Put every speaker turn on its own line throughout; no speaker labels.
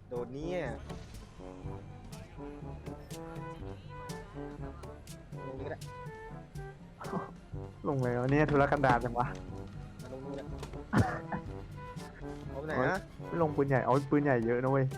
โดดเนี่ยลงนี่ก็ได้
ลงเลยวันนี้ธุรกันดารจังวะ
ลงนี่ก็ได้เอาไปไหนฮะ
ไม่ลงปืนใหญ่เอาปืนใหญ่เยอะนะเว้ย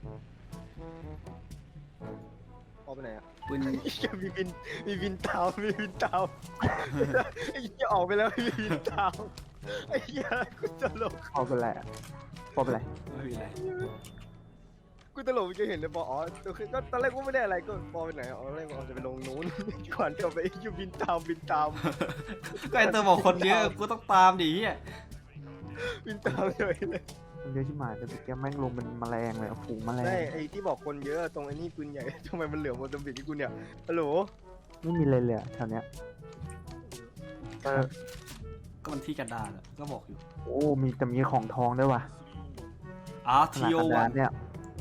เอาไปไหนอ่ะ
ปืน
มีวินเตามีวินเตาไอ้เหี้ยออกไปแล้วมีวินเตาไอ้เหี้ยกูตลก
พอเป็นไรอะพอเป็นไร
ไม่มีอะไร
กูตลกจะเห็นเลยบอกอ๋อก็ตอนแรกกูไม่ได้อะไรก็พอไปไหนอ๋อตอนแรกบอกจะไปลงนู้นก่อนจะไปอยู่บินตาม
ก็ไอเตอร์บอกคนเยอะกูต้องตามดิเฮีย
บินตามเลย
มันเยอะชิบหายแต่แกแม่งลงเป็นแมลงเลยอะฝูงแมลง
ใช่ไอ้ที่บอกคนเยอะตรงไอ้นี่ปืนใหญ่ทำไมมันเหลือโมซัมบิกที่กูเนี่ยฮัลโหล
ไม่มีอะไรเลยอะแถวเนี้ยเออ
ก็มันที่กันดารอะก็บอกอยู่
โอ้มีแต่มีของทองด้วยว่ะ
RTO
ขนาดกัน
วั
ดาน รเนี่ย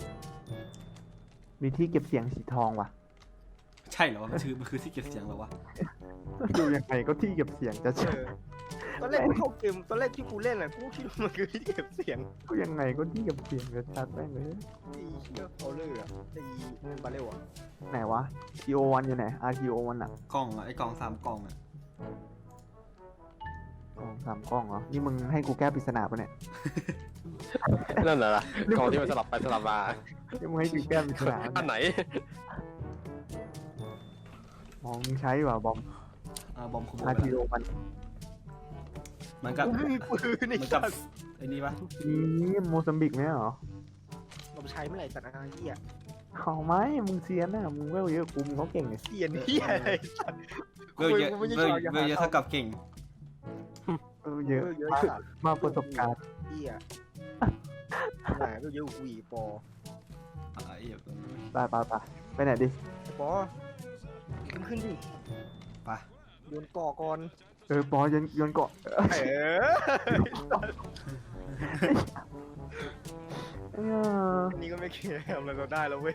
มีที่เก็บเสียงสีทองว่ะ
ใช่เหรอวะมันคือที่เก็บเสียงเหรอวะ
ดูยังไงก็ที่เก็บเสียงจะ
เออตอนแรกกูเข้าเกมตอนแรกที่กูเล่นอะกูคิดว่ามันคือที่เก็บเสียง
ก็ยังไงก็ที่เก็บเสียงจะชัดแม่งเลย
ไอ้เชี่ยเขาเลยอะไอ้นั่นบาเร็วอะ
ไหนวะ TO1 อยู่ไหน RTO1 อะ
กล่องอะไอกล่อง3 กล่องอะ
3 กล้องเหรอ นี่มึงให้กูแก้ปริศนาปะเนี่ย
นั่นเหรอกองที่มันสลับไปสลับมา
นี่มึงให้กูแก้ปริศนา
อันไหน
มองมึงใช้ว่ะบอม
บอมขโมยไปแล้ว
RTO1
มันกับ
กูไม่มีปืนไอ้
มัน
สั
กับ
ส
ไอ้นี่ปะ
นี่โมซัมบิกไหมเหรอ
เราใช้เมื่อไหร่สัตว์อาเหี้ย
เอาไหมมึงเซียนนะมึงเวลเยอะกูมึงเขาเก่งเลย
เสียนเหี้ยอะไรสัตว์
เวลเยอะ
กูไม่ใช่
เวล
ชาว
เวลเยอะเท่ากับเก่ง
เยอะ
เยอะ
มาก
สัตว์
มากประสบการณ์
เหี้ยแหมก็เยอะกว่ากูอีกปอ
ไอ้เหี้ย
ไปไหนดิ
ไอ้ปอขึ้นดิ
ไป
โยนก่อก่อน
ปอโยนเกาะ
เออ อันนี้ก็ไม่คิดทำอะไรเราได้แล้วเว้ย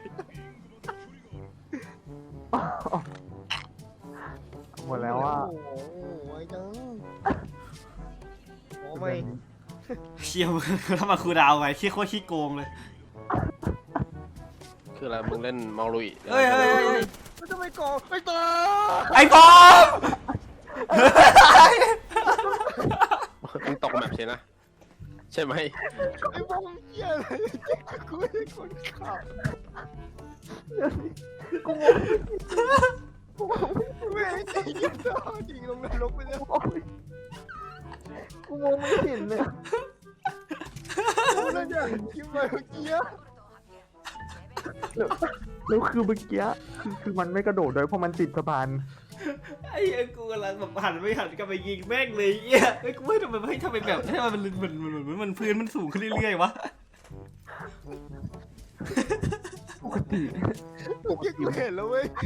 หมดแล้วว่า
โอ้โหไอ้จังโอ้ไม่
เชี่ยมึงถ้ามาคูลดาวน์ไงที่โคตรขี้โกงเลย
คืออะไรมึงเล่นเมาลุย
เฮ้ย
มันจะไม่ก่อไม่ต่อ
ไอ้บอม
มึงตกแมปใช่นะ ใช่ไหม
ไอ้บอมเหี้ยอะไรกูไม่ได้คนขับกูไม่ได้ยินต่อจริงลงนรกไปแล้ว
กูมองไม่เห็นเลย
กูน่าจะคิดไปเมื่อกี้
แล้วคือเมื่อกี้คือมันไม่กระโดดเลยเพราะมันติดสะพาน
ไอ้เหี้ยกูกำลังแบบหันไม่หันกลับไปยิงแม่งเลยเหี้ยไอ้กูไม่ทำไมไม่ทำไมแบบให้มันพื้นมันสูงขึ้นเรื่อยๆวะ
ปกติ
เมื่อกี้กูเห็นแล้วเว้ย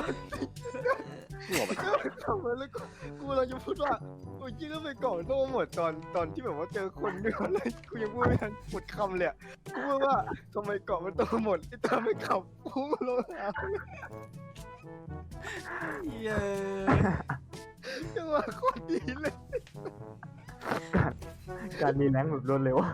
หัวมัน
ทำไมแล้วกูเราจะพูดว่าเมื่อกี้เราไปก่อนโน้หมดตอนที่แบบว่าเจอคนด้วยอะไรกูยังพูดไม่ทันหมดคำเลยกูพูดว่าทำไมเกาะมันโตหมดไอ้ตาไม่ขับกูลงน้ำ
เหี้ย
จังหวะโคตรดีเลย
การมีแรงแบบรวดเร็ว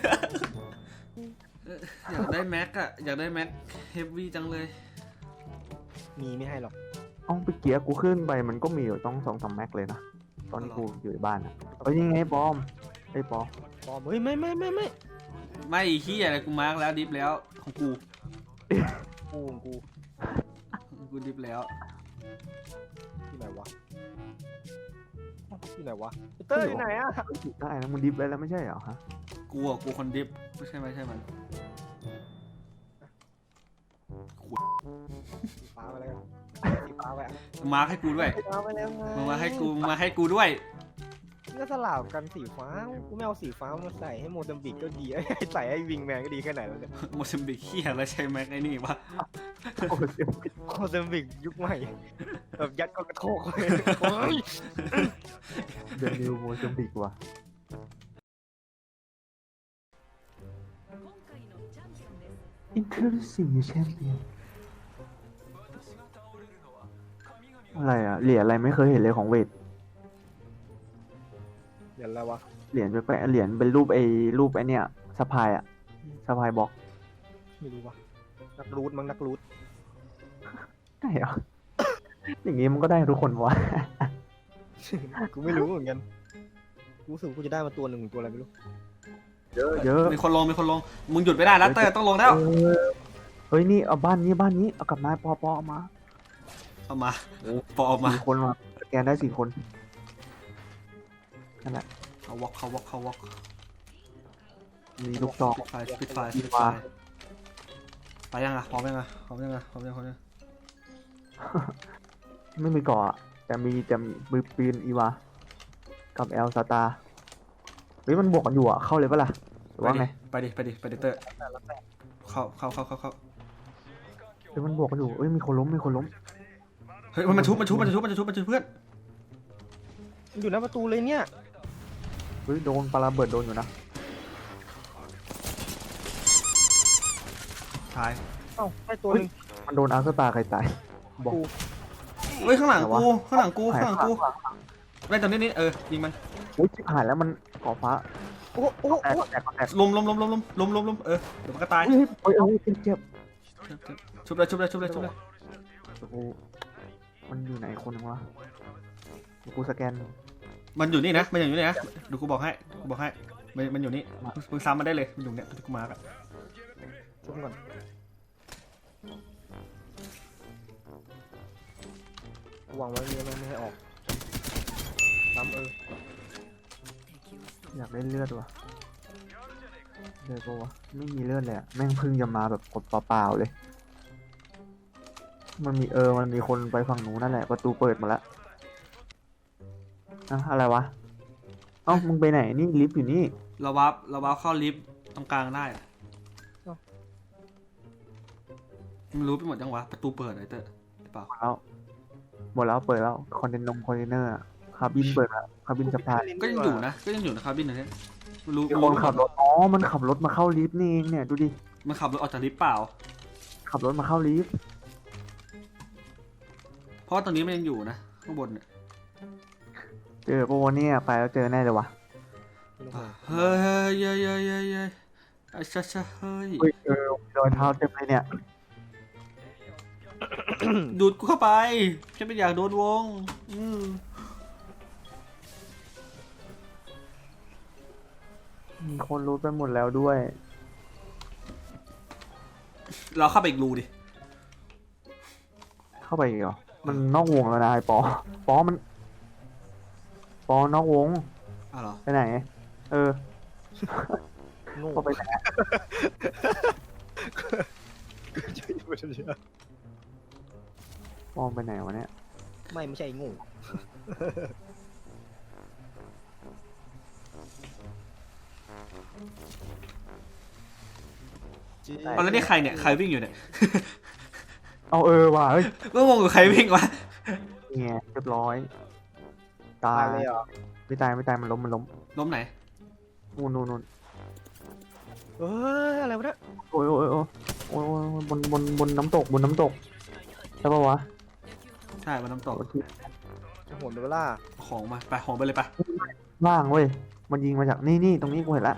อยากได้แม็กอะอยากได้แม็กเฮฟวี่จังเลย
มีไม่ให้หรอก
เมื่อกี้กูขึ้นไปมันก็มีอยู่ต้อง2-3 แม็กเลยนะ ตอนกูอยู่ในบ้านอ่ะยังไงบอมไอ้ปอ
บอมเฮ้ยไม่
ไม่เฮียอะไรกูมาร์กแล้วดิฟแล้วของกู
กู
ดิฟแล้ว
ที่ไหนวะเต้ยอยู่ไหนอะ
ได้นะมึงดิฟไว้แล้วไม่ใช่เหรอฮะ
กูคนดิฟไม่ใช่มัน
สีฟ้าไปแล้วสีฟ้าไปอะ
มาร์กให้กูด้วย
สีฟ้าไปแล้วไง
มึงมาให้กูด้วย
ก็สลับกันสีฟ้ากูไม่เอาสีฟ้ามาใส่ให้โมซัมบิกก็ดีใส่ให้วิงแมนก็ดีแค่ไหนแล้วเนี่ย
โมซัมบิกเฮียแล้วใช้แม็กไอ้นี่วะ
โอ้เสีย
โมซัมบิกยุคใหม่แบบยัดก็กระโทกเลย
เดนิวโมซัมบิกว่ะIntroducing the champion อะไรอ่ะเหรียญอะไรไม่เคยเห็นเลยของเวท
เดี๋ยวอะไรวะ
เหรียญไปเหรียญเป็นรูปไอ้เนี่ยสะพายอ่ะสะพายบล็อก
ไม่รู้ว่ะนักรูทมั้งนักรูท
ได้เหรอ อย่างงี้มันก็ได้ทุกคนวะ
กูไม่รู้เหมือนกันกูรู้สึกกูจะได้มาตัวหนึ่งตัวอะไรไม่รู้
เยอะเยอะ
มีคนลงมึงหยุดไม่ได้แล้วเตอร์ต้องลงแล้ว
เฮ้ยนี่เอาบ้านนี้เอากลับมาปอเอามา
เอามาปอเอามา
4 คนมาสแกนได้4 คนนั่นแหละ
เขาวอล์ก
มีลูกซอง
ปิดไฟ ไปยังอ่ะพร้อมยัง
ไม่มีเกาะอะแต่มีมือปืนอีวากับเอลซาตาเฮ้ยมันบวกกันอยู่อ่ะเข้าเลยปะล่ะหรือว่าไง
ไปดิเตอร์เข้า
เฮ้ยมันบวกกันอยู่เอ้ยมีคนล้ม
เฮ้ยมันชุบเพื่อน
มันอยู่หน้าประตูเลยเนี่ย
เฮ้ยโดนปาระเบิดโดนอยู่นะ
ตาย
เอ้าได้ตัวหนึง
มันโดนอาร์ซาตาใครตายบอก
เฮ้ยข้างหลังกูได้ตอนนี้ยิงมัน
อุ้ยชิบหายแล้วมันขอฟ้า
โอ้โห
แตก
ล้มเดี๋ยวมันก็ตาย
เฮ้ยเจ็บ
ชุบเลย
โอ้โหมันอยู่ไหนคนนึงวะกูสแกน
มันอยู่นี่นะดูกูบอกให้มันอยู่นี่มึงซ้ำมันได้เลยมันอยู่เนี่ยที่กูมาร์กอะ
ชุบก่อนวางไว้เยอะไม่ให้ออกซ้ำ
อยากได้เลือดวะเลือดปะวะไม่มีเลือดเลยอะแม่งเพึ่งจะมาแบบกดเปล่าๆเลย มันมีคนไปฝั่งหนูนั่นแหละประตูเปิดมาแล้วอะไรวะเอ้ามึงไปไหนนี่ลิฟต์อยู่นี่
เราวาร์ปเข้าลิฟต์ตรงกลางได้อะมันรู้ไปหมดยังวะประตูเปิดอะไรเตอร์หรือเปล่า
หมดแล้วเปิดแล้วคอนเทนเนอร์คาบินเปิดแล้วคาบินสะพาย
ก็ยังอยู่นะครับบินเนี่ยรู้
มีคนขับรถมันขับรถมาเข้าลิฟต์นี่เองเนี่ยดูดิ
มันขับรถออกจากลิฟต์เปล่า
ขับรถมาเข้าลิฟต์
เพราะว่าตอนนี้มันยังอยู่นะข้างบนเนี่ย
เจอปะวะเนี่ยไปแล้วเจอแน่เลยวะ
เฮ้ยไอ้ชะเฮ้ย
เฮ้ยรอยเท้าเต็มเลยเนี่ย
ดูดกูเข้าไปฉันไม่อยากโดนวง
มีคนรู้ไปหมดแล้วด้วย
เราเข้าไปอีกรูดิ
เข้าไปอีกเหรอมันนอกวงแล้วนะไอ้ปอนอกวง
เหรอ
ไปไหน
โง่
เข้าไปไหน
กูจะอยู่บนเรือ
ปอไปไหนวะเนี่ย
ไม่ใช่โง่
เอาแล้วนี่ใครเนี่ยใครวิ่งอยู่เนี่ย
เอาว่ะเฮ้ย
ก็งงอยู่ใครวิ่งวะ
เนี่ยเรียบร้อยตา
ตาย
ย
เลยเหรอ
ไม่ตายมันล้ม
ล้มไหน
นู่น
เอ้ยอะไรวะเนี่ย
โอ้ยบนน้ำตกใช่ปะวะ
ใช่มันน้ำตก
จะโหนเดอล่า
ของมาไปของไปเลยไป
ล่างเว้ยมันยิงมาจากนี่ตรงนี้กูเห็นละ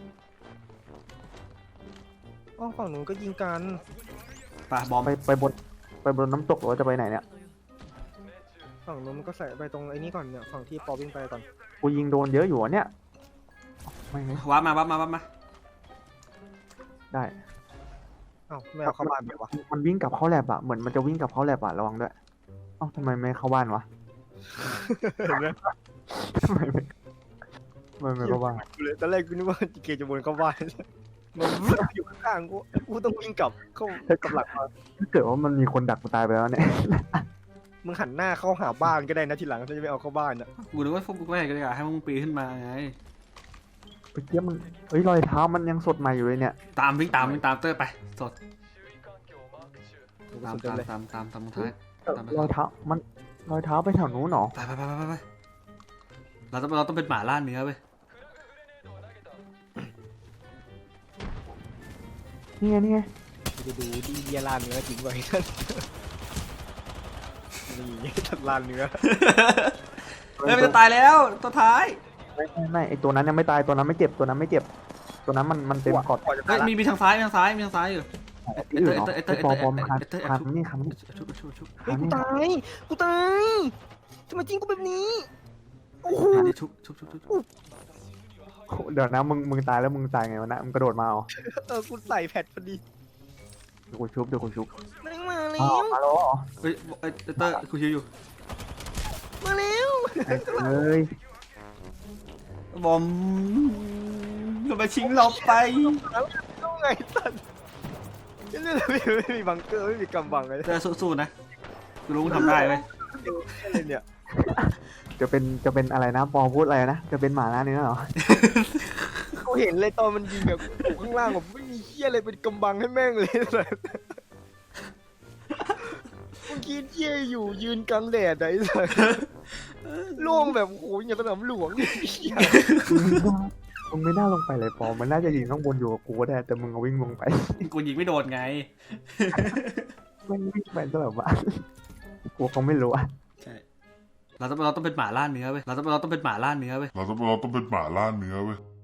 อ๋อฝั่งนู้นก็ยิงกัน
ไปบอม
ไปบนน้ำตกหรือว่าจะไปไหนเนี่ย
ฝั่งนู้นมันก็ใส่ไปตรงไอ้นี่ก่อนเนี่ยฝั่งที่ปอวิ่งไปก่อน
กูยิงโดนเยอะอยู่อะเนี่ยไม่
วับมา
ได้
อ้าวไม่เอาเข้าบ้านไปวะ
มันวิ่งกลับเข้าแลบอะเหมือนมันจะวิ่งกลับเข้าแลบอะระวังด้วยเอ้าทำไมไม่เข้าบ้านวะ
เห็นไหม
ทำไมไม่เข้าบ้าน
กูเลยตอนแรกกูนึกว่าจีเกจะวนเข้าบ้านมันอยู่ข้างๆกูต้องวิ่งกลับเข้ากลับหลังมา
ถ้าเกิดว่ามันมีคนดักกูตายไปแล้วเนี่ย
มึงหันหน้าเข้าหาบ้านก็ได้นะทีหลังถ้าจะไม่เอาเข้าบ้านอ่ะ
กูนึกว่าพวกกูไม่อยากจะให้มึงปีนขึ้นมาไง
ไปเทียบมันเฮ้ยรอยเท้ามันยังสดใหม่อยู่เลยเนี่ย
วิ่งตามเตอร์ไปสด
กู
ตาม
สนใจเลย
ตามตรงท้าย
รอยเท้าไปแถวนู้นหรอ
ไปเราต้องเป็นหมาล่าเนื้อเว้ย
นี่ไง
จะดูดีเดียลานเนื้อจริงไว้ท่านนี่ทัดลานเนื้อ
เฮ้ยมันจะตายแล้วตัวท้าย
ไม่ไอตัวนั้นยังไม่ตายตัวนั้นไม่เจ็บตัวนั้นมันเต็มกอด
เฮ้ยมีทางซ้ายอยู่
ที่อื่นเหรอไอ้ปอปอมคันนี่คันนี่
ชุบชุบชุบ
เฮ้ยกูตายกูตายทำไมจริงกูแบบนี้โอ้โห
อันนี้ชุบชุบชุบชุบ
เดี๋ยวนะมึงตายแล้วมึงตายไงวะนะมึงกระโดดมาเหรอ
กูใส่แพดพอดี
เดี๋ยวกูชุบเดี๋ยวกูชุบ
แม่งมาแล้
อ้าว
ว
มาแล้วเหรอ
เฮ้ยเตอร์กูชิวอยู่
มาแล้ว
เฮ้ย
บอมทำไมชิงเราไป
ต้องไงสันนี่ไม่มีบังเกอร์ไม่มีกำบังเลย
เตอร์สู้ๆนะกูรู้มึงทำได้ไหม
เดี๋ยวอะไรเนี่ย
จะเป็นอะไรนะปอพูดอะไรนะจะเป็นหมาหน้านี้เหรอ
กูเห็นเลยตอนมันยิงแบบกูข้างล่างผมไม่มีเหี้ยอะไรเป็นกำบังให้แม่งเลยเลยมึงคิดเหี้ยอยู่ยืนกลางแดดไหนเลยโล่งแบบโอ้โหอย่างสนามหลวงนี่เหี้ย
มึงไม่น่าลงไปเลยปอมันน่าจะยิงข้างบนอยู่กับกูก็ได้แต่มึงเอาวิ่งลงไป
กูยิงไม่โดนไง
มันวิ่งไปก็แบบว่ากูคงไม่รู้อ่ะ
ใช่เราต้องเป็นหมาล่าเนื้อเว้ยเราต้องเป็นหมาล่าเนื้อเว้ย
เราต้องเป็นหมาล่าเนื้อเว้ย